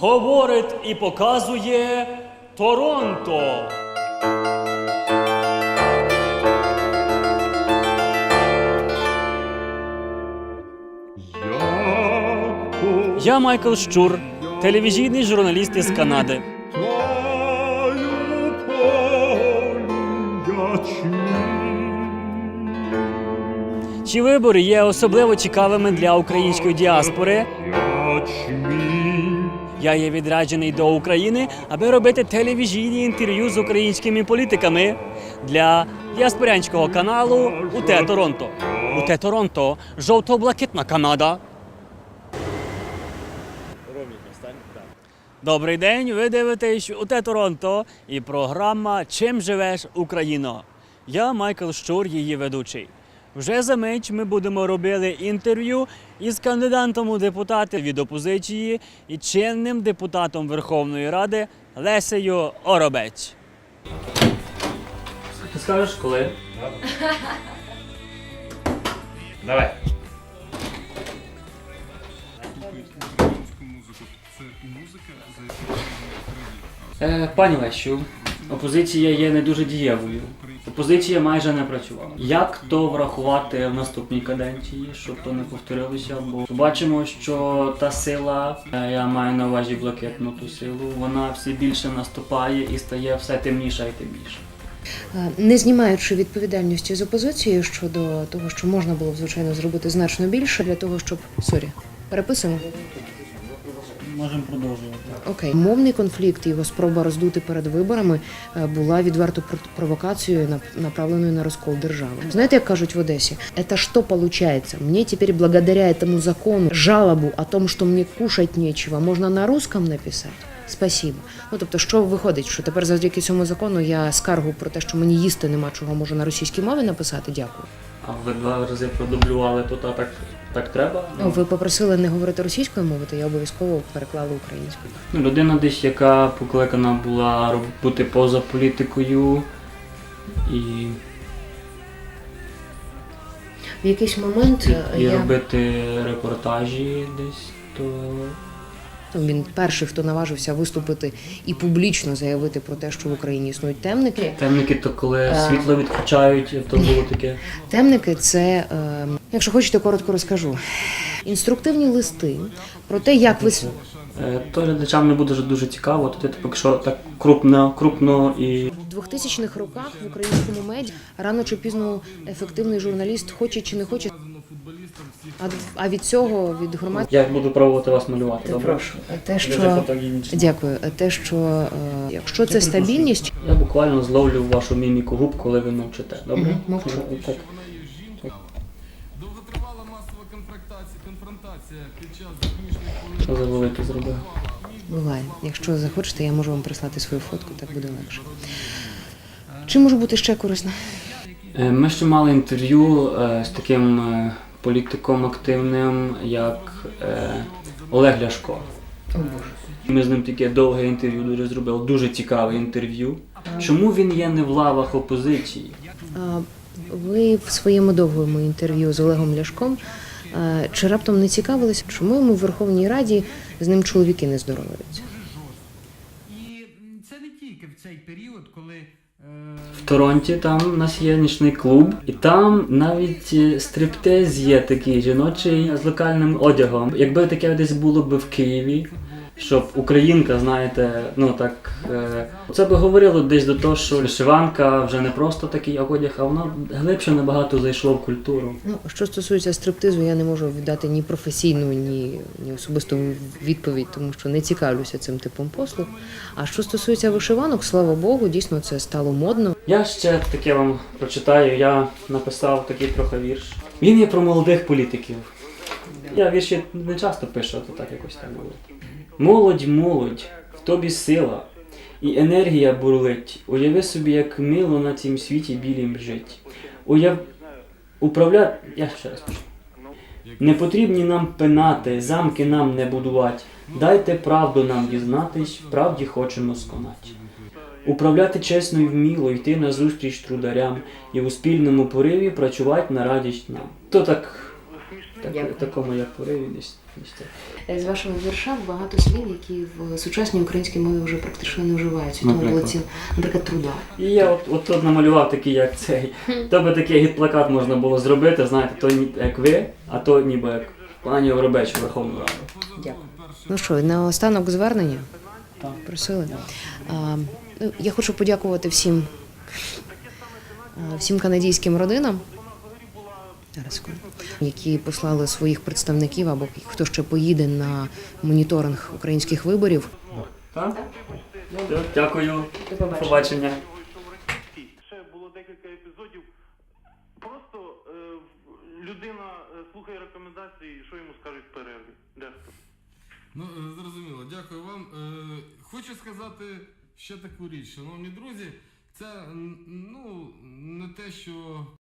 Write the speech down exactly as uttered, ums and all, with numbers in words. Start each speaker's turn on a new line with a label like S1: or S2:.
S1: говорить і показує Торонто. Я Майкл Щур, телевізійний журналіст із Канади. Ці вибори є особливо цікавими для української діаспори. Я є відряджений до України, аби робити телевізійні інтерв'ю з українськими політиками для діаспорянського каналу УТ Торонто. УТ Торонто – жовто-блакитна Канада. Добрий день, ви дивитесь УТ Торонто і програма «Чим живеш, Україно?». Я Майкл Щур, її ведучий. Вже за мить ми будемо робити інтерв'ю із кандидатом у депутати від опозиції і чинним депутатом Верховної Ради Лесею Оробець. Ти скажеш, коли?
S2: Давай.
S1: Е, пані Лесю, опозиція є не дуже дієвою. Опозиція майже не працювала. Як то врахувати в наступній каденції, щоб то не повторилося? Бо бачимо, що та сила, я маю на увазі блакитну ту силу, вона все більше наступає і стає все темніша і темніша.
S3: Не знімаючи відповідальності з опозицією щодо того, що можна було б, звичайно, зробити значно більше для того, щоб... Сорі, переписуємо?
S1: Можемо продовжувати.
S3: Окей. Мовний конфлікт і його спроба роздути перед виборами була відверто провокацією, направленою на розкол держави. Знаєте, як кажуть в Одесі? «Это что получается? Мне теперь благодаря этому закону жалобу о том, что мне кушать нечего, можна на русском написати? Спасибо». Ну, тобто, що виходить, що тепер завдяки цьому закону я скаргу про те, що мені їсти нема чого, можу на російській мові написати? Дякую.
S1: А ви два рази продублювали тут, а так, так треба?
S3: Ну, ви попросили не говорити російською мовою, то я обов'язково переклала українською.
S1: Ну, людина десь, яка покликана була бути поза політикою і...
S3: В якийсь момент
S1: і, і
S3: я...
S1: робити репортажі десь, то...
S3: Він перший, хто наважився виступити і публічно заявити про те, що в Україні існують темники.
S1: Темники, то коли світло відключають, то було таке?
S3: Темники – це, якщо хочете, коротко розкажу, інструктивні листи про те, як ви...
S1: То глядачам не буде дуже цікаво, то ти поки що так крупно, крупно і...
S3: В двохтисячних роках в українському меді рано чи пізно ефективний журналіст хоче чи не хоче, а, а від цього, від громад...
S1: Я буду пробувати вас малювати, добре?
S3: Прошу. Те, що... Дякую. Те, що якщо це стабільність...
S1: Я буквально зловлю вашу міміку губ, коли ви мовчите, добре?
S3: Угу, мовчу.
S1: Так.
S4: Довготривала масова конфронтація під час закінчення...
S1: Що за велике зробив?
S3: Буває. Якщо захочете, я можу вам прислати свою фотку, так буде легше. Чи може бути ще корисно?
S1: Ми ще мали інтерв'ю з таким політиком активним, як Олег Ляшко.
S3: О, Боже.
S1: Ми з ним таке довге інтерв'ю дуже зробили, дуже цікаве інтерв'ю. Чому він є не в лавах опозиції?
S3: Ви в своєму довгому інтерв'ю з Олегом Ляшком чи раптом не цікавилися, чому йому в Верховній Раді з ним чоловіки не здороваються?
S4: І це не тільки в цей період, коли...
S1: В Торонті там у нас є нічний клуб, і там навіть стриптиз є такий жіночий з локальним одягом. Якби таке десь було б в Києві, щоб українка, знаєте, ну так, е, це би говорило десь до того, що вишиванка вже не просто такий одяг, а воно глибше набагато зайшло в культуру.
S3: Ну, що стосується стриптизу, я не можу віддати ні професійну, ні, ні особисту відповідь, тому що не цікавлюся цим типом послуг. А що стосується вишиванок, слава Богу, дійсно це стало модно.
S1: Я ще таке вам прочитаю, я написав такий трохи вірш. Він є про молодих політиків. Я вірші не часто пишу, а то так якось так було. Молодь, молодь, в тобі сила, і енергія бурлить. Уяви собі, як мило на цім світі білім жить. Уяв... Управля... Я ще раз пишу. Не потрібні нам пенати, замки нам не будувати. Дайте правду нам дізнатись, правді хочемо сконати. Управляти чесно і вміло, йти назустріч трударям і у спільному пориві працювати на радість нам. То так так,
S3: Дякую.
S1: такому як пориві десь. десь це.
S3: З вашого вірша багато слів, які в сучасній українській мові вже практично не вживаються. Тому
S1: Наприклад?
S3: були ці, наприклад, труда.
S1: І я от, от тут намалював такий, як цей. То би такий гід-плакат можна було зробити, знаєте, то ні- як ви, а то ніби як пані Воробечу Верховну Раду.
S3: Дякую. Ну що, на останок звернення?
S1: Так.
S3: Просили. А, ну, я хочу подякувати всім, а, всім канадійським родинам, зараз, секунду, які послали своїх представників або хто ще поїде на моніторинг українських виборів.
S1: Так? Все, дякую.
S3: До побачення.
S1: Побачення.
S5: Ще було декілька епізодів. Просто е, людина е, слухає рекомендації, що йому скажуть в перерві. Дехто.
S4: Ну, е, зрозуміло, дякую вам. Е, Хочу сказати ще таку річ, шановні друзі, це м, ну, не те, що